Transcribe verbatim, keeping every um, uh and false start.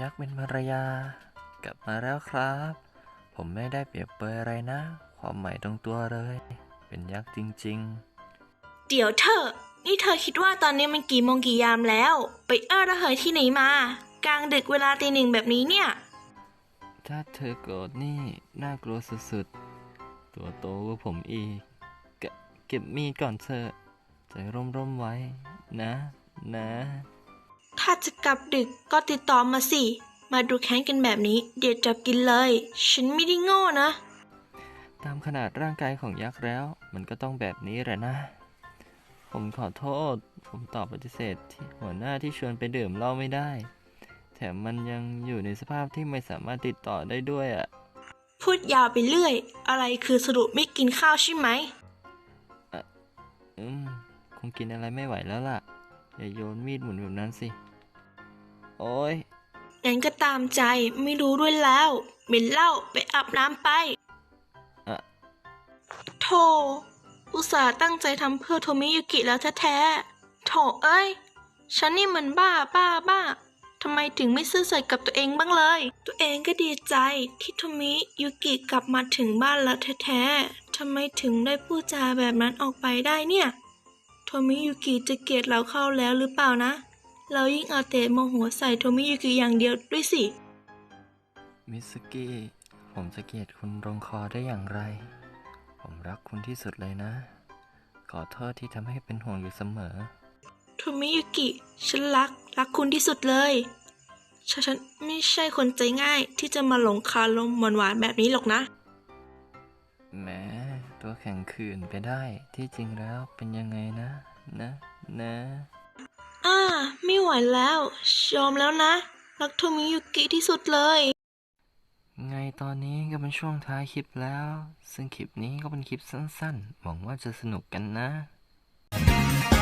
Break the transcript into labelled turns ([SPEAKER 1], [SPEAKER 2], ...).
[SPEAKER 1] ยักษ์เป็นภรรยากลับมาแล้วครับ ผมไม่ได้เปรียบเปรยอะไรนะ ความหมายตรงตัวเลย เป็นยักษ์จริง
[SPEAKER 2] เดี๋ยวเธอ นี่เธอคิดว่าตอนนี้มันกี่โมงกี่ยามแล้ว ไปเอ้อระเหยที่ไหนมา กลางดึกเวลาตีหนึ่งแบบนี้เนี่ย
[SPEAKER 1] ๆ ถ้าเธอโกรธนี่น่ากลัวสุดๆ ตัวโตกว่าผมอีกเกเก็บมีดก่อนเถอะใจร่มๆไว้นะนะ
[SPEAKER 2] ถ้าจะกลับดึกก็ติดต่อมาสิ มาดูแค้นกันแบบนี้ เดี๋ยวจับกินเลย ฉันไม่ได้โง่นะ
[SPEAKER 1] ตามขนาดร่างกายของยักษ์แล้ว มันก็ต้องแบบนี้แหละนะ ผมขอโทษ ผมตอบปฏิเสธที่หัวหน้าที่ชวนไปดื่มเหล้าไม่ได้ แถมมันยังอยู่ในสภาพที่ไม่สามารถติดต่อได้ด้วยอ่ะ
[SPEAKER 2] พูดยาวไปเรื่อย อะไรคือสรุปไม่กินข้าวใช่ไหม
[SPEAKER 1] อืม คงกินอะไรไม่ไหวแล้วล่ะ อย่าโยนมีดหมุนแบบนั้นสิ โอ้ย
[SPEAKER 2] งั้นก็ตามใจไม่รู้ด้วยแล้วเหม็นเหล้าไปอาบน้ำไป
[SPEAKER 1] อะ
[SPEAKER 2] โธ่อุตส่าห์ตั้งใจทำเพื่อโทมิยุกิแล้วแท้ๆโถเอ้ย ฉันนี่มันบ้าบ้าบ้าทำไมถึงไม่ซื่อสัตย์กับตัวเองบ้างเลย ตัวเองก็ดีใจที่โทมิยุกิกลับมาถึงบ้านแล้วแท้ๆทำไมถึงได้พูดจาแบบนั้นออกไปได้เนี่ยโทมิยุกิจะเกลียดเราเข้าแล้วหรือเปล่านะ เรายิ่งเอาแต่โมโหใส่โทมิยุกิอย่างเดียวด้วยสิ
[SPEAKER 1] มิสกิผมจะเกลียดคุณลงคอได้อย่างไร ผมรักคุณที่สุดเลยนะ ขอโทษที่ทำให้เป็นห่วงอยู่เสมอ
[SPEAKER 2] โทมิยุกิ ฉันรัก รักคุณที่สุดเลย ฉันฉันไม่ใช่คนใจง่ายที่จะมาหลงคาลมหวานๆแบบนี้หรอกนะ
[SPEAKER 1] แหมตัวแข็งขืนไปได้ ที่จริงแล้วเป็นยังไงนะ นะ นะ
[SPEAKER 2] อ่า ไม่ไหวแล้ว ยอมแล้วนะ รักโทมิยุกิที่สุดเลย
[SPEAKER 1] ไงตอนนี้ก็เป็นช่วงท้ายคลิปแล้ว ซึ่งคลิปนี้ก็เป็นคลิปสั้นๆ หวังว่าจะสนุกกันนะ